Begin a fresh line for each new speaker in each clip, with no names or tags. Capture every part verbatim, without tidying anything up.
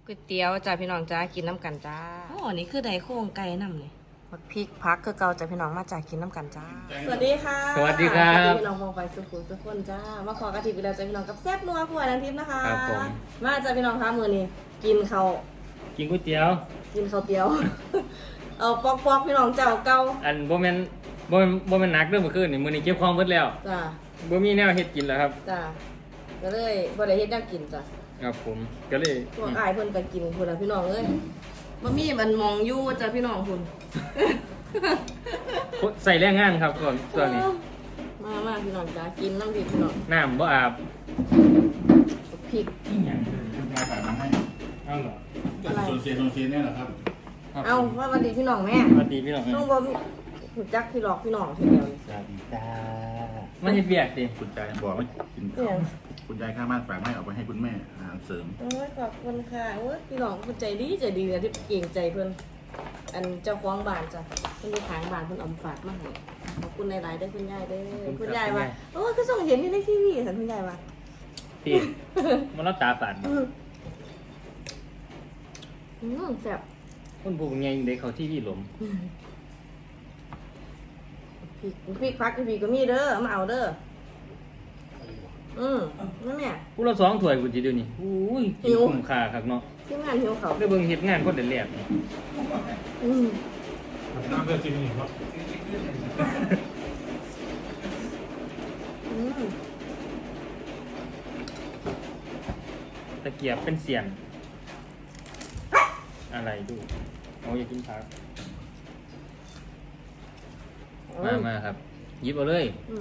ก๋วยเตี๋ยวจ้าพี่น้องจ้ากินน้ำกันจ้าโอ้นี่คือไดโครงไก่น้ำเลยผักพริกพักคือเกาจ้าพี่น้องมาจากกินน้ำกันจ้าสวัสดีค่ะ
สวัสดีครับ
สวัสดีพี่น้องมองไปสุขุมสุขคนจ้ามาขอกระถิ่นไปแล้วจ้าพี่น้องกับแซ่บนัวผัวนันทิพย์นะคะ
ครับผม
มาจ้าพี่น้องคะมือนี้กินเขาว
กินก๋วยเตี๋ยว
กินข้าวเตี๋ยว เอาปอกปอกๆพี่น้องเจ้าเก่า
อันบ่แม่นบ่แม่นบ่แม่นหนักเด้อเมื่อคืนนี่มื้อนี้เก็บของหมดแล้ว
จ้า
บ่มีแนวเฮ็ดกินแล้วครับ
จ้าก็เลยบ่ได้เฮ็ดแนวกินจ้า
ครับผมก็เลย
พวกอ้ายเพิ่นก็กินพุ่นล่ะพี่น้องเอ้ยบ่มีมันมองอยู่จ้าพี่น้องพุ่น
ใส่แรงงานครับส่วนส่วนนี้
มามาพี่น้องจ้ากินน้ำพริกพี่น้อง
น้ำบ่อาบ
พริก
อีหยัง
คุณยายฝากมาให้
เอาเหรอ
อะไร
โซนเซียนโซนเซียนเนี่ยเหรอครับ
ครับ
เอาว่าวันดีพี่น้องแม่
สวัสดีพี่น้อง
ต้องบ่หูจักพี่หลอกพี่น้องทีเดียวนี่
สวัสดีจ้า
มาเฮ็ดเวียกติ
คุณยายบอกว่ากินข้าวคุณยายข้างบ้านฝากให้เอาไปให้คุณแม่อาหารเสริม
โอ้ยขอบคุณค่ะโอ้ยพี่น้องเพิ่นใจดีใจดีนะที่เก่งใจเพิ่นอันเจ้าของบ้านจ้ะเพิ่นอยู่ข้างบ้านเพิ่นเอามาฝากมาให้ขอบคุณหลายๆเด้อคุณยายเด้อคุณยายว่าโอ้ยคือส่งเห็นอยู่ในทีวีสันคุณยายว่า
ติมันรับตาฝาด
อืมอืมแซ่บ
คนผู้ใหญ่ได้เข้าทีวีหลม
อืมพริกพริกพักพริกก็มีเด้อเอามาเอาเด้ออืมนั่นแม่
ผู้ละสองถ้วยกูสิเดี๋ยวนี้อุ้ยกิน
หิว
คุ้มค่าคักเนาะ
ทีมงานหิวเขาว
ได้เบิ่งเฮ็ดงานคนเดือดแรกนี่
อืม
น้ำเลือดจริงนี่ครับ
อืม
ตะเกียบเป็นเสียน อะไรดูเอาอย่ากินผัก มามาครับหยิบเอาเลย
อืม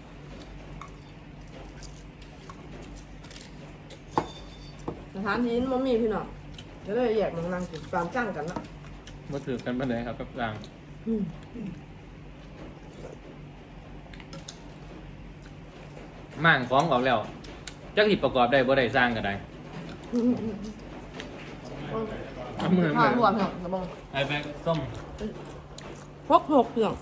สถานที่นี้มันมีพี่น้องก็เลยอยากมานั่งกินตามจ้างกันเนาะ
มาสืบกันไปเลยครับกับราง
อืม
ม่างฟ้องออกแล้วจักสิประกอบได้บ่ได้สร้างก็ได้
อืมอืมอืม
เอามือ
ข้า
มื
ว
อ
หัวพี่น้องกระบอง
ไอ้แบงส้ม
พกหกพี่น้อง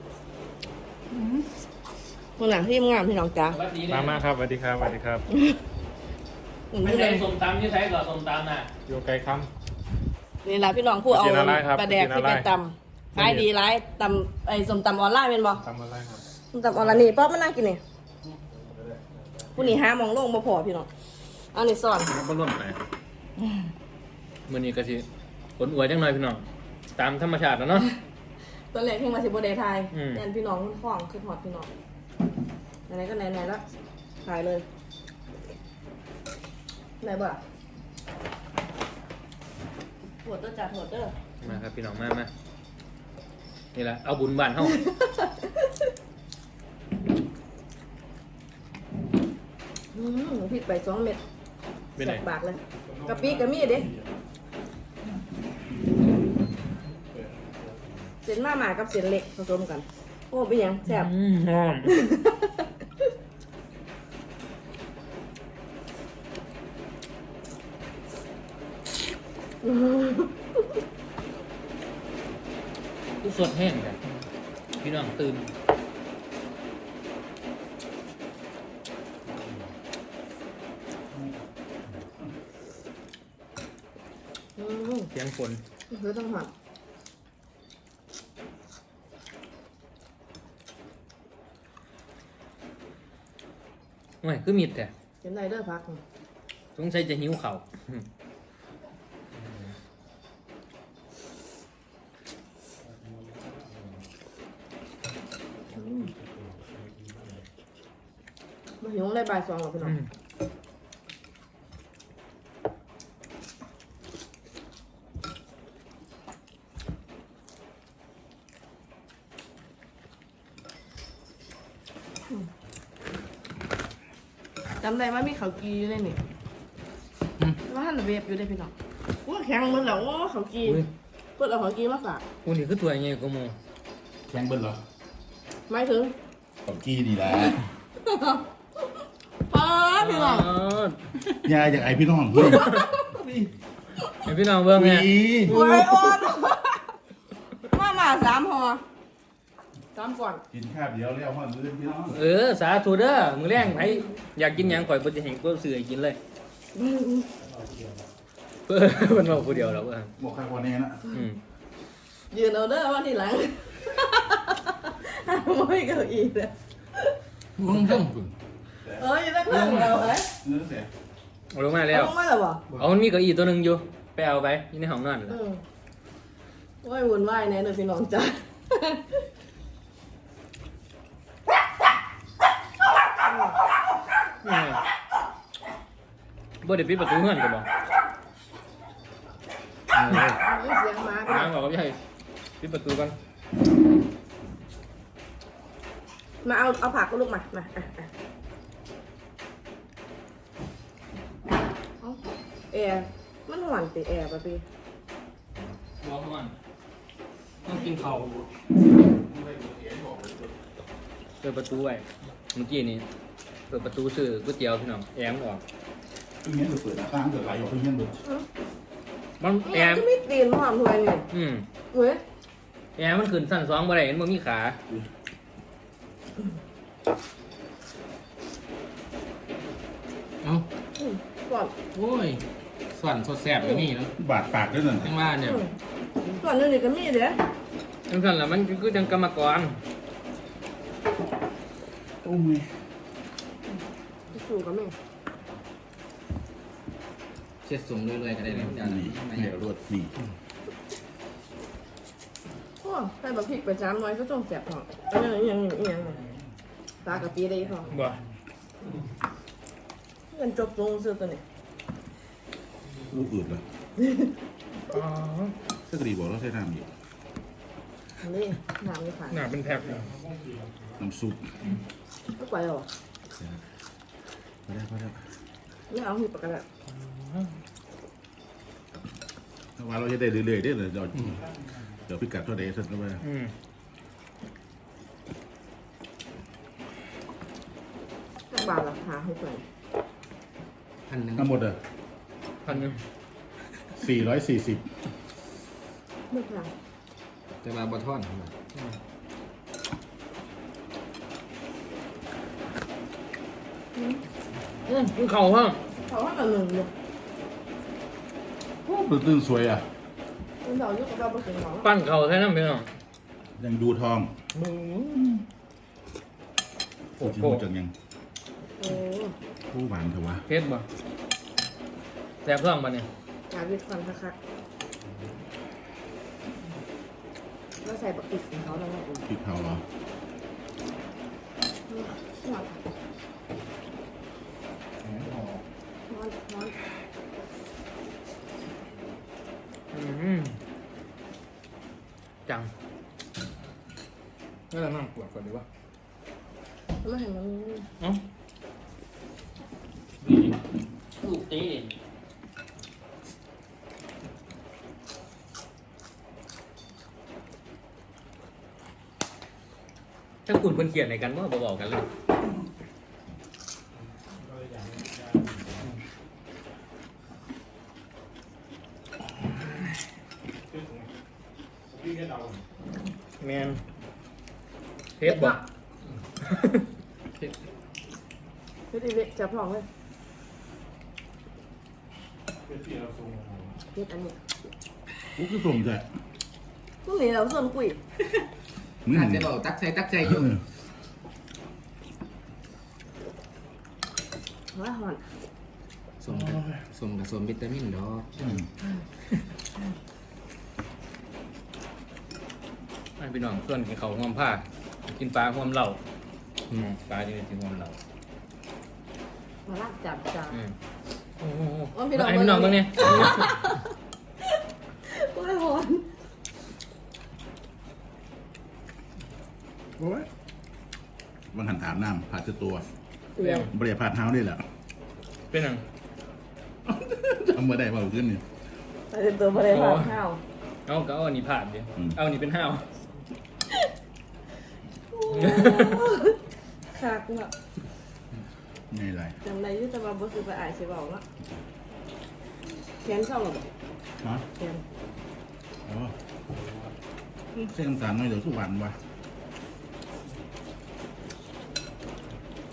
คนหลังที่งามพี่น้องจ้า
สวัสดี
มามาครับสวัสดีครับสวัสดีครับ
อืม
ไม่
นี่เล
ใช่
ย
ส้มตำยี่ใช้ก่อนส้มตำน่ะ
อยู่ไกลค
นี่แหละพี่น้องผู้เอา
กินอะไรครับ
ปลาแดก
กินอะไร
ที่ไปตำขายดีร้ายตำไอ้สมตำออนไลน์เป็นบ่
ำทำอะไรครับ
สมตำออนไลน์นี่ป๊อปมานั่งกินนี่ผู้นี่หามองโลงบ่พอพี่น้องเอานี่ซ่อน
บ่ร่วมไปมื้อนี้ก็สิผลอวยจังหน่อยพี่น้องตามธรรมชาติแล้วเนาะ
ตอนแรกเพิ่งมาสิบ่ได้ทาย
อืม
แน่นพี่น้องคุณฟ้องคือฮอดพี่น้องไหนๆก็ไหนๆแล้วถ่ายเลยไหนบ่ถวดเด้อจ้ะถวดเด้อ
มาครับพี่น้องมามานี่แหละเอาบุญบ้านเฮา
อืมพริกไปสองเม็ด
เป็นไง
แสบปากเลยกะปิกะมีเด้เส้นมาหมากับเส้นเล็กผสมกัน โอ้เป็นหยังแซ่บ
อืมหอมกูสดแห้งกันพี่น้องตื่น
อืม
เสียงฝน
เฮ้ยต้องหอด
โอ้ยคือมีดแต่
เส้นไรเด้อพัก
สงสัยจะหิวเขาว
มาหิวอะไรบ่ายสองหรอพี่น้อง
อืม
จำได้ว่ามีเขาวกีอยู่ในนี่ว่าหันเวฟอยู่ได้พี่น้องว่าแข็งหมันแล้วว่าเขาวกี
อุ้ย
เพื่อนเอาเขาวกีมาฝาก
กูนี่คือตัวใหญ่กว่าหมู
แข้งเบิ้ลเหรอ
ไม่ถึง
ของกี้นี่แหละ
ป้าพี่น้อง
ยายจากไอพี่น้องเพื่อน
เดี๋ยวพี่น้องเบิ่งเนี่ย
โอ้ยอ่อนมามาสามห่อสามก่อน
กินข้าวเดียวแล้วห้องเพื่อนพี่น้อง
เออสาธุเด้อมือแรงไผอยากกินหยังข่อยบ่จะเห็นก็ซื้อให้กินเลยเพื่อมันบอกผู้เดียวแล้วเพื่อน
บอกใครคนนี้นะ
อืม
ยืนเอาเด้อว่าทีหลังไม่เก้าอี้เลย
มึงทั้งคุณ
เอ้ยตั้งข้างเราเอ้ย
เนื้อเสีย
เอาลงมาแล้ว
ต้องมาแล้วบ่
เอามันมีเก้าอี้ตัวหนึ่งอยู่ไปเอาไปอยู่ในห้องนอนเลย
อืมโอ้ยวุ่นวายแน่เลยพี่น้องจ้า
บ่ได้ปิดประตูเฮือนกันบ่
เสียงหมาก็
น้ำบอกกับยายปิดประตูกัน
มาเอาเอาผักก็ลูกมามาอ่ะอ่ะเอาแอร์มันหวานติแอร์ป่ะพี่
บ่เฮือนต้องกินข้าวเปิดประตูไว้เมื่อกี้นี้เปิดประตูซื้อก๋วยเตี๋ยวพี่น้องแอมออก
ตรงนี้เปิดหน้าต่างเกิดไหลออกตรงนี้เบิด
มันแอ
แอ
ม
ร์ก็ไม่ตีนหอมถวยนี่
อืม
เว้ย
แอมมันขึ้นสั้นสองบ่ได้เห็นบ่มีขา
เอ้า
อืมก่อน
โอ้ยส่วนสดแสบอย่างนี้เนาะ
บาดปากด้วยนั่น
จังว่าเนี่ย
อืมก่อนนึงนี่ก็มีเด้อ
จังซั่นล่ะมันคือจังกรรมกร
โอ้ย
สู่ก็มี
เช็ดสูงเรื่อยๆก็ได้เลยจ้า
นี่แม่รวดนี่
โอ้ใส่บะพริกไปจามน้อยก็ต้องแสบท้องอันนี้ยังยังยังตากะปีได้ท้อง
บ่
เงินจบลงซื้อตัวนี้
ลูกอืดเลย
อ๋อ
สักดีบอกเราใช้น้ำอยู่
อันนี้น้ำนี่ค่ะ
หน้าเป็นแพ็คเลย
น้ำซุป
ไม่ไหวหรอ
พอได้พอได้
ไม่เอาหีบปากกา
ถ้าว่าเราจะได้เรื่อยๆได้เลยเดี๋ยวเดี๋ยวพิกัดเท่าใดสักแล้วไป
อืม
สักบาทราคาให้ไป
พันหนึ่ง
ทั้งหมดอ่ะ
พันหนึง
สี่ร้อยสี่สิบ
ไม่แพง
จะมาบะท่อน
อืม
อืมกินข้าวฮะ
เขาว่ากันหนึ่งเลย
โอ้ตื่นสวยอ่ะ
คุณเราอยู่กับเราไปถึงหรอ
ปั้นข้าวใส่น้ำพี่น้อง
ยังดูทอง
โอ้
จริง
โห
ๆจังยัง
โอ้
ผู้หวานเถอะวะ
เผ็ดบ่แซ่บท้องบ่เนี่ย
กาวิทย์ฟันคักๆแล้วใส่บักติกของเขาแล้วก็อุ่น
พริกเผาเหรอ
ร้อนร้อนร้อน
อืมจังนี่เรานั่งปวดก่อนดีกว่า
ไม่เห็นมัน
เอ้าลูกตีถ้าคุณเพิ่นเขียนในกันว่าบอกกันเลย แมนเทปบอก
พี่ดิเล็กจับพองเลยพี่อันนี้
กูคือสมใจ
พรุ่งนี้เราส่วนคุย
มึง
อาจ
เห็น
จะบอกตักใจตักใจอยู่
ว่าหอน
สมกับสมกับสมวิตามินดอก
อืม
ให้พี่น้องส่วนกินเขาวห่วมผ้า กินปลาห่วมเหล้าอืมปลาจะกินห่วมเหล้า
มาลากจับจับ
อืมโอ้โห
ว่าพี่น้อง
ให้พี่น้อง
เบิ่
เบ้าง ง
เนี่
เนี่ย ย
ว่าหอน
โอ้ยวันหันอาบน้ำผ่าเสื้อตัว
เรียง
บริผ่าเท้าได้แหละ
เป็นหยัง
จำมาได้เปล่าขึ้นนี่
แต่เป็นตัวบริหารข้าว
เอาก็เอาอันนี้ผ่านดิ
อืม
เอาอันนี้เป็นห้าว
คักเนาะ
ไม่ไร
จำได้อยุ่แต่ว่าบ่คือไปอ่านสิบอกเนาะแขนเศร้าหรอบ่
ฮะ
แขน
อ๋อเส้นน้ำตาลน้อยเดี๋ยวทุกวันวะ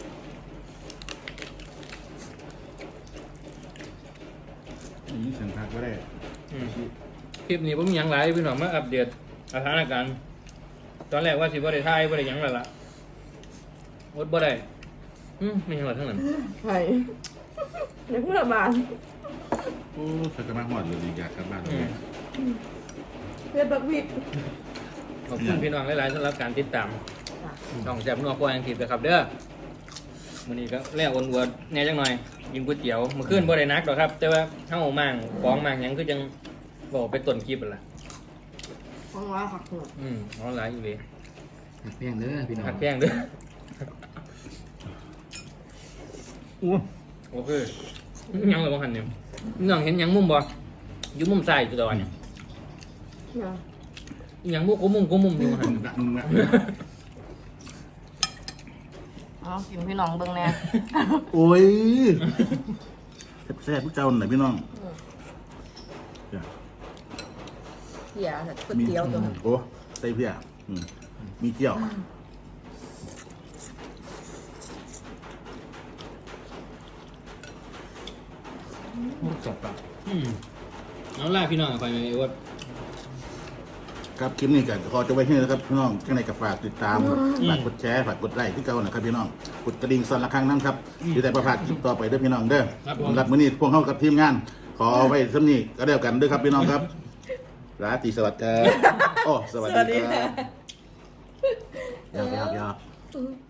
นี่เสียงคักก็ได้
อืมคลิปนี้ผมมีหยังหลายพี่น้องมาอัปเดตสถานการณ์ตอนแรกว่าสิบ่ได้ถ่ายบ่ได้หยังแล้วล่ะอดบ่ได้อืมไม่หยังหรอกทั้งนั้น
ไข่เด็กเมื่อบาน
โอ้ใส่กระมังหอดเลยอยากกลับบ้านเล
อืม
ย
เพื่อนบักวิด
ขอบคุณพี่น้องหลายๆสำหรับการติดตามช่องแซ่บนัวครัวอังกฤษนะครับเด้อมื้อนี้ก็แล้วอ้วนอวดแหน่จังหน่อยกินก๋วยเตี๋ยวมื้อคืนบ่ได้นักดอกครับ แต่ว่าเฮามั่งของมั่งหยังคือจังบอกไปต้นคลิปนั่นล่ะ
ฟังว่าหักหัว
อืมเอาหลายอยู่เด้
หักแพงเด้อพี่น้อง
หักแป้งเด้อ
อู้
โอเคยังเลยบ่หันเนี่ยน้องเห็นหยังมุมบ่อยู่มุมซ้ายจุดอ่อนเนี่ย
เนี่ย
อีหยังบ่กูมุมกูมุมอยู่บ่หัน
ดังมาก
เอากินพี่น้องเบิ่งแน่
โอ้ยแซ่บๆพวกเจ้าหน่อยพี่น้องจ้ะ
เหี้ยก๋วยเตี๋ยวตัวนั้น
โอ้ใส่เพี้ยอืมมีเจียว
จับปะ
อืมเอาล่ะพี่น้องไปไหมว่า
ครับคลิปนี้ก็ขอจะไว้ที่นี่นะครับพี่น้องข้างในก็ฝากติดตามฝากกดแชร์ฝากกดไลค์ที่เก่านะครับพี่น้องกดกระดิ่งสั่นละครั้งนั้นครับที่แต่ประพลาดคลิปต่อไปเด้อพี่น้องเด้อสำหรับมื้อนี้พวกเขากับทีมงาน ขอไว้สำนี้ก็เดียวกันเด้อครับพี่น้องครับราตรีสวัสดิ์ครับโอ้สวัสดีครับยาวๆยาวๆ